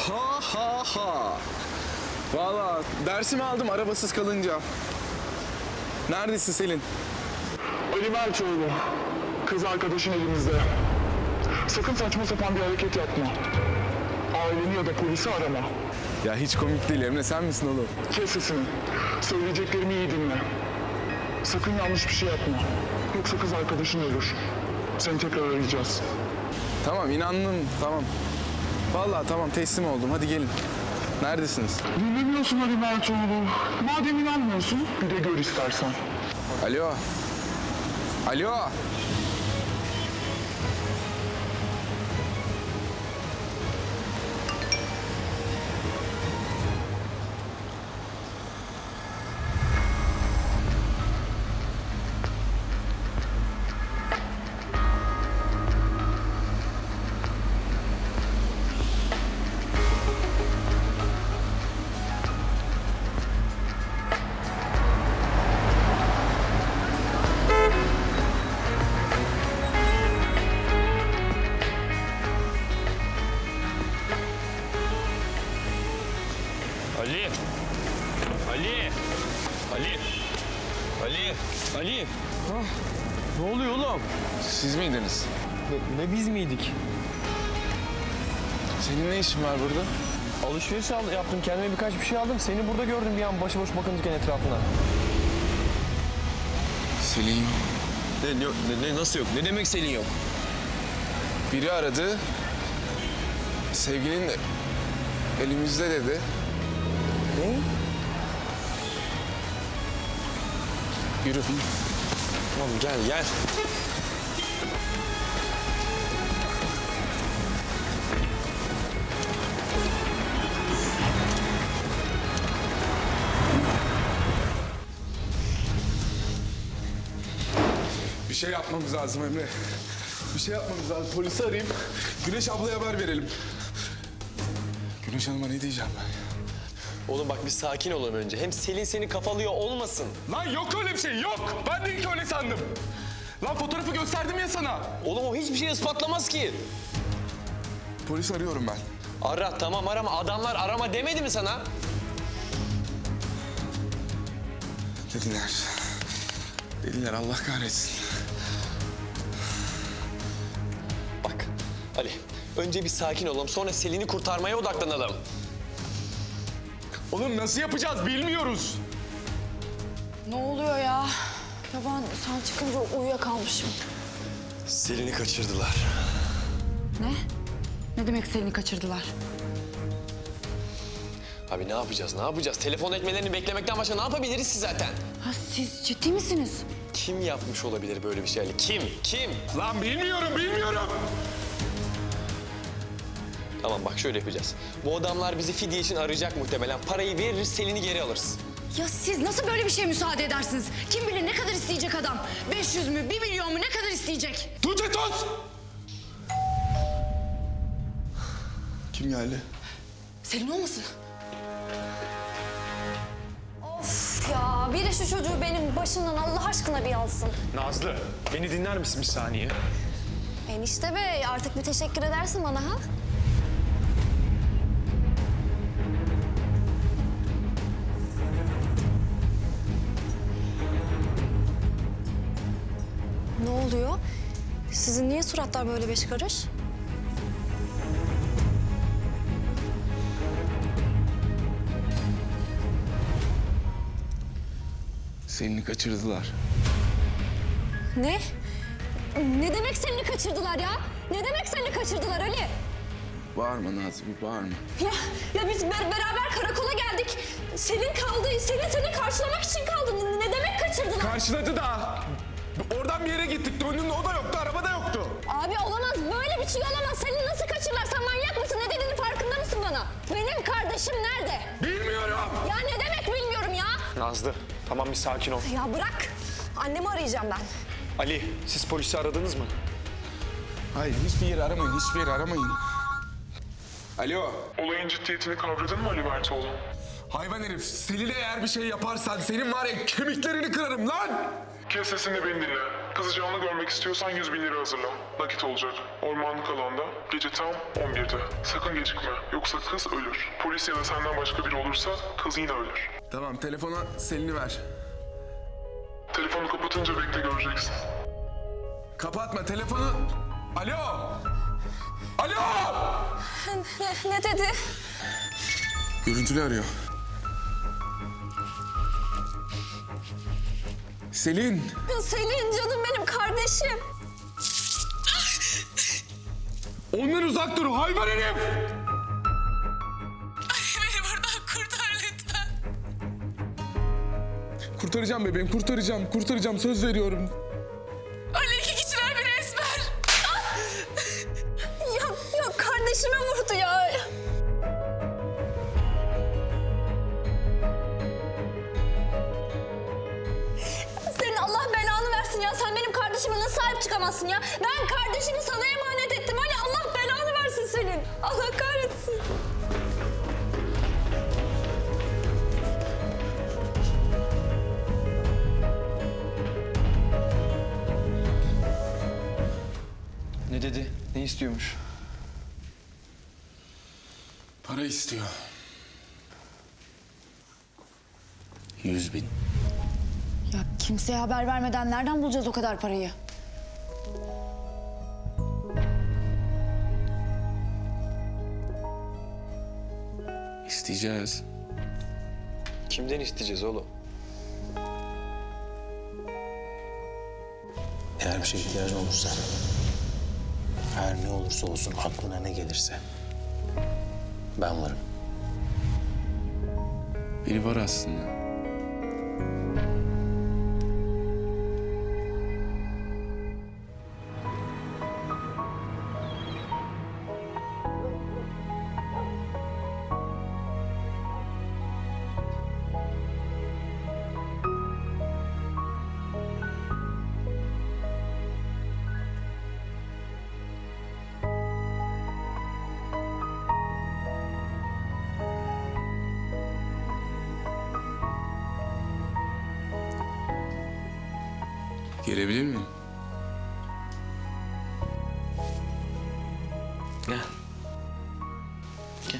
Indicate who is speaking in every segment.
Speaker 1: Ha ha ha. Vallahi dersimi aldım arabasız kalınca. Neredesin Selin?
Speaker 2: Ali Mertoğlu, kız arkadaşın elimizde. Sakın saçma sapan bir hareket yapma. Aileni ya da polisi arama.
Speaker 1: Ya hiç komik değil Emre, sen misin oğlum?
Speaker 2: Kes sesini. Söyleyeceklerimi iyi dinle. Sakın yanlış bir şey yapma. Yoksa kız arkadaşın ölür. Seni tekrar arayacağız.
Speaker 1: Tamam inandım, tamam. Vallahi tamam teslim oldum, hadi gelin. Neredesiniz?
Speaker 2: Dinlemiyorsun Ali Mertoğlu. Madem inanmıyorsun, bir de gör istersen.
Speaker 1: Alo. Alo.
Speaker 3: Ali! Ali! Ali! Ali! Ali! Ne oluyor oğlum?
Speaker 1: Siz miydiniz?
Speaker 3: Ne biz miydik?
Speaker 1: Senin ne işin var burada?
Speaker 3: Alışveriş yaptım, kendime birkaç bir şey aldım. Seni burada gördüm bir an başıboş bakınırken etrafına.
Speaker 1: Selin yok.
Speaker 3: Nasıl yok? Ne demek Selin yok?
Speaker 1: Biri aradı. Sevgilin elimizde dedi.
Speaker 3: Ne?
Speaker 1: Yürü.
Speaker 3: Tamam gel.
Speaker 1: Bir şey yapmamız lazım Emre. Bir şey yapmamız lazım. Polisi arayayım. Güneş ablaya haber verelim. Güneş Hanım'a ne diyeceğim ben?
Speaker 3: Oğlum bak bir sakin olalım önce. Hem Selin seni kafalıyor olmasın.
Speaker 1: Lan yok öyle bir şey yok. Ben de ilk öyle sandım. Lan fotoğrafı gösterdim ya sana.
Speaker 3: Oğlum o hiçbir şey ispatlamaz ki.
Speaker 1: Polis arıyorum ben.
Speaker 3: Ara tamam arama. Adamlar arama demedi mi sana?
Speaker 1: Dediler. Dediler Allah kahretsin.
Speaker 3: Bak Ali önce bir sakin olalım sonra Selin'i kurtarmaya odaklanalım.
Speaker 1: Oğlum nasıl yapacağız bilmiyoruz.
Speaker 4: Ne oluyor ya? Ya ben sen çıkınca uyuyakalmışım.
Speaker 3: Selin'i kaçırdılar.
Speaker 4: Ne? Ne demek seni kaçırdılar?
Speaker 3: Abi ne yapacağız? Telefon etmelerini beklemekten başka ne yapabiliriz ki zaten?
Speaker 4: Ha siz ciddi misiniz?
Speaker 3: Kim yapmış olabilir böyle bir şey Ali? Kim?
Speaker 1: Lan bilmiyorum.
Speaker 3: Tamam bak şöyle yapacağız. Bu adamlar bizi fidye için arayacak muhtemelen. Parayı veririz, Selin'i geri alırız.
Speaker 4: Ya siz nasıl böyle bir şeye müsaade edersiniz? Kim bilir ne kadar isteyecek adam? 500 mü, 1 milyon mu ne kadar isteyecek?
Speaker 1: Tuğçe tut! Kim geldi?
Speaker 4: Selin olmasın? Of ya biri şu çocuğu benim başımdan Allah aşkına bir alsın.
Speaker 5: Nazlı, beni dinler misin bir saniye?
Speaker 4: Enişte bey artık bir teşekkür edersin bana ha? Ne oluyor? Sizin niye suratlar böyle beş karış?
Speaker 1: Selin'i kaçırdılar.
Speaker 4: Ne? Ne demek seni kaçırdılar ya? Ne demek seni kaçırdılar Ali?
Speaker 1: Bağırma Nazlı, bağırma.
Speaker 4: Ya biz beraber karakola geldik. Selin kaldı. Selin seni karşılamak için kaldı. Ne demek kaçırdılar?
Speaker 1: Karşıladı da. Oradan bir yere gittik. Döndüğümde o da yoktu, araba da yoktu.
Speaker 4: Abi olamaz. Böyle bir şey olamaz. Selin nasıl kaçırırlar? Sen manyak mısın? Ne dediğinin farkında mısın bana? Benim kardeşim nerede?
Speaker 1: Bilmiyorum.
Speaker 4: Ya ne demek bilmiyorum ya.
Speaker 5: Nazlı, tamam bir sakin ol.
Speaker 4: Ya bırak. Annemi arayacağım ben.
Speaker 5: Ali, siz polisi aradınız mı?
Speaker 1: Hayır, hiçbir yeri aramayın, hiçbir yeri aramayın. Alo.
Speaker 2: Olayın ciddiyetini kavradın mı Ali Mertoğlu?
Speaker 1: Hayvan herif, Selin'e eğer bir şey yaparsan senin var ya kemiklerini kırarım lan!
Speaker 2: Kes sesini beni dinle. Kızı canlı görmek istiyorsan 100 bin lira hazırla. Nakit olacak. Ormanlık alanda. Gece tam 11'de. Sakın gecikme. Yoksa kız ölür. Polis ya da senden başka biri olursa kız yine ölür.
Speaker 1: Tamam, telefona Selin'i ver.
Speaker 2: Telefonu kapatınca bekle göreceksin.
Speaker 1: Kapatma telefonu. Alo! Alo!
Speaker 4: Ne dedi?
Speaker 1: Görüntülü arıyor. Selin!
Speaker 4: Selin canım benim kardeşim.
Speaker 1: Ondan uzak dur hayvan herif!
Speaker 6: Beni buradan kurtar lütfen.
Speaker 1: Kurtaracağım bebeğim, kurtaracağım. Söz veriyorum.
Speaker 6: Ali iki kişiler beni esmer.
Speaker 4: Ya kardeşime vurdu ya. Senin Allah belanı versin ya. Sen benim kardeşime nasıl sahip çıkamazsın ya? Ben kardeşimi sana emanet ettim. Hani Allah belanı versin senin. Allah kahretsin.
Speaker 5: Ne dedi? Ne istiyormuş?
Speaker 1: Para istiyor.
Speaker 7: 100 bin.
Speaker 8: Ya kimseye haber vermeden nereden bulacağız o kadar parayı?
Speaker 1: İsteyeceğiz.
Speaker 3: Kimden isteyeceğiz oğlum?
Speaker 7: Eğer bir şeye ihtiyacın olursa, her ne olursa olsun aklına ne gelirse ben varım.
Speaker 1: Biri var aslında. Gelebilir miyim?
Speaker 7: Gel. Gel.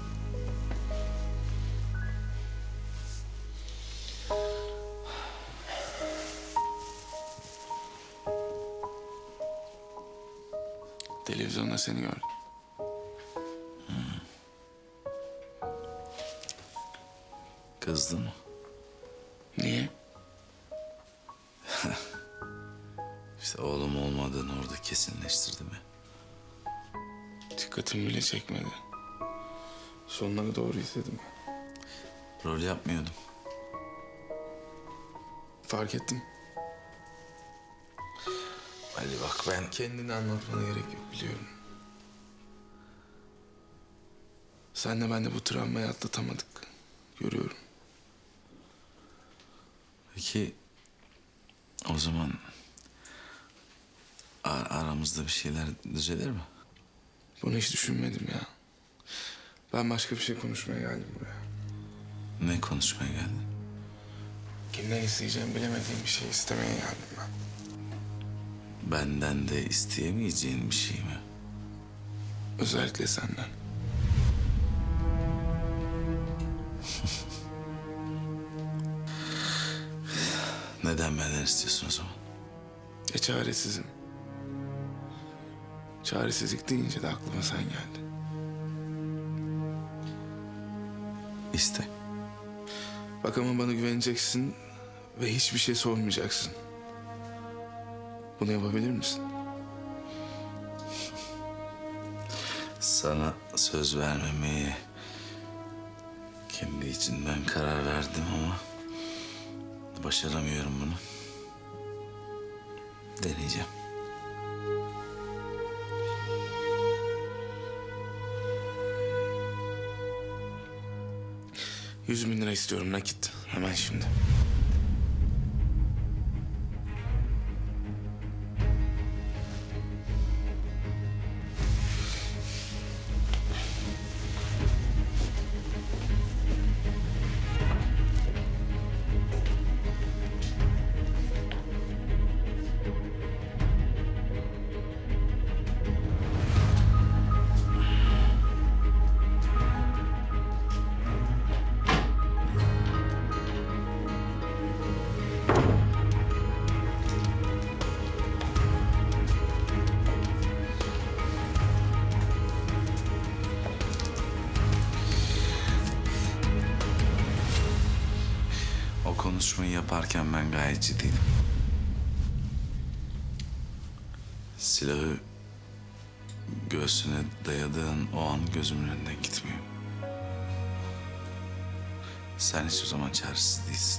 Speaker 1: Televizyonda seni gördüm.
Speaker 7: Kızdın mı?
Speaker 1: Niye?
Speaker 7: İşte oğlum olmadığını orada kesinleştirdi mi?
Speaker 1: Dikkatimi bile çekmedi. Sonuna doğru izledim.
Speaker 7: Rol yapmıyordum.
Speaker 1: Fark ettim.
Speaker 7: Hadi bak ben...
Speaker 1: Kendini anlatmana gerek yok biliyorum. Senle ben de bu travmayı atlatamadık. Görüyorum.
Speaker 7: Peki o zaman aramızda bir şeyler düzelir mi?
Speaker 1: Bunu hiç düşünmedim ya. Ben başka bir şey konuşmaya geldim buraya.
Speaker 7: Ne konuşmaya geldin?
Speaker 1: Kimden isteyeceğimi bilemediğim bir şey istemeye geldim ben.
Speaker 7: Benden de isteyemeyeceğin bir şey mi?
Speaker 1: Özellikle senden.
Speaker 7: Neden benden istiyorsun o zaman?
Speaker 1: Çaresizim. Çaresizlik deyince de aklıma sen geldin.
Speaker 7: İste.
Speaker 1: Bak ama bana güveneceksin ve hiçbir şey sormayacaksın. Bunu yapabilir misin?
Speaker 7: Sana söz vermemeye kendi içinden karar verdim ama başaramıyorum bunu. Deneyeceğim.
Speaker 1: $100.000 istiyorum nakit. Hemen şimdi.
Speaker 9: konuşmayı yaparken ben gayet ciddiydim. Silahı göğsüne dayadığın o an gözümün önünden gitmiyor. Sen hiçbir zaman çaresiz değilsin.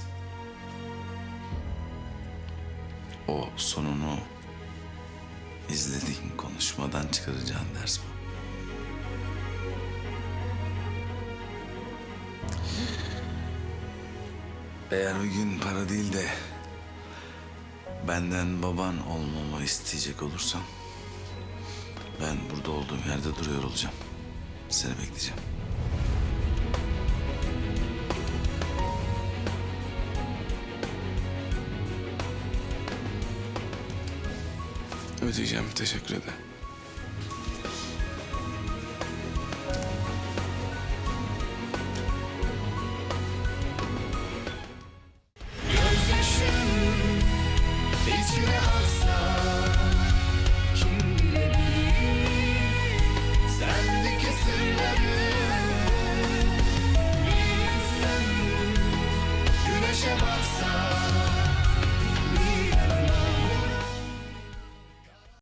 Speaker 9: O sonunu izlediğin konuşmadan çıkaracağın ders bu. Eğer bir gün para değil de benden baban olmamı isteyecek olursan ben burada olduğum yerde duruyor olacağım. Seni bekleyeceğim.
Speaker 1: Ödeyeceğim, teşekkür ederim.